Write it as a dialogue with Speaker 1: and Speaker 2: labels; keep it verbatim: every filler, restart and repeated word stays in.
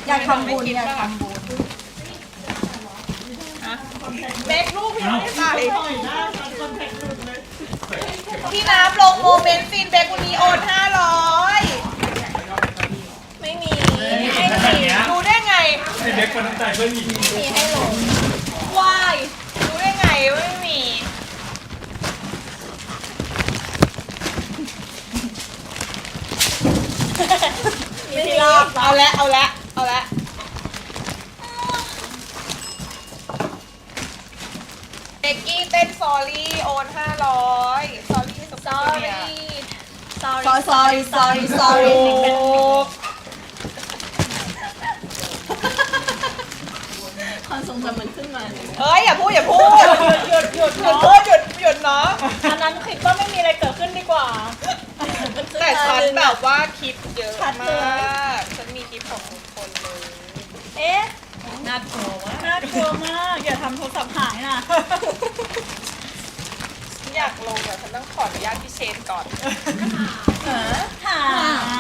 Speaker 1: อยากทำบุญอยากทำบุญ
Speaker 2: เบกลูกพี่ไม่ใส่พี่น้ำลงโมเมนต์ฟินเบกวันนี้โอนห้าร้อยไม่มีไม่มีดูได้ไง
Speaker 3: ไอเด็กคนน้ำใจเพื่อนมี
Speaker 2: มีให้ลงวายดูได้ไงว่าไม่มีไม่มีเอาละเอาละเอาละเบกกี้เต้นซอรี่โอนห้าร้อยซอรี่ซอรี่
Speaker 1: sorry sorry sorry sorry
Speaker 4: ความทรงจำมันขึ้นมาเลย
Speaker 2: เอ้ยอย่าพูดอย่าพูดหยุดหยุดหยุดหยุดพูดหยุดหยุดเนาะ
Speaker 4: อันนั้นคิดว่าไม่มีอะไรเกิดขึ้นดีกว่า
Speaker 2: แต่ฉันแบบว่าคลิปเยอะมากฉันมีคลิปของทุกคนเลย
Speaker 4: เอ๊ะ
Speaker 2: น่ากลัวมาก
Speaker 4: น่ากลัวมากอย่าทำโทรศัพท์หายนะ
Speaker 2: ฉันอยากลงแต่ฉันต้องขออนุญาตพี่เชนก่อน
Speaker 4: หา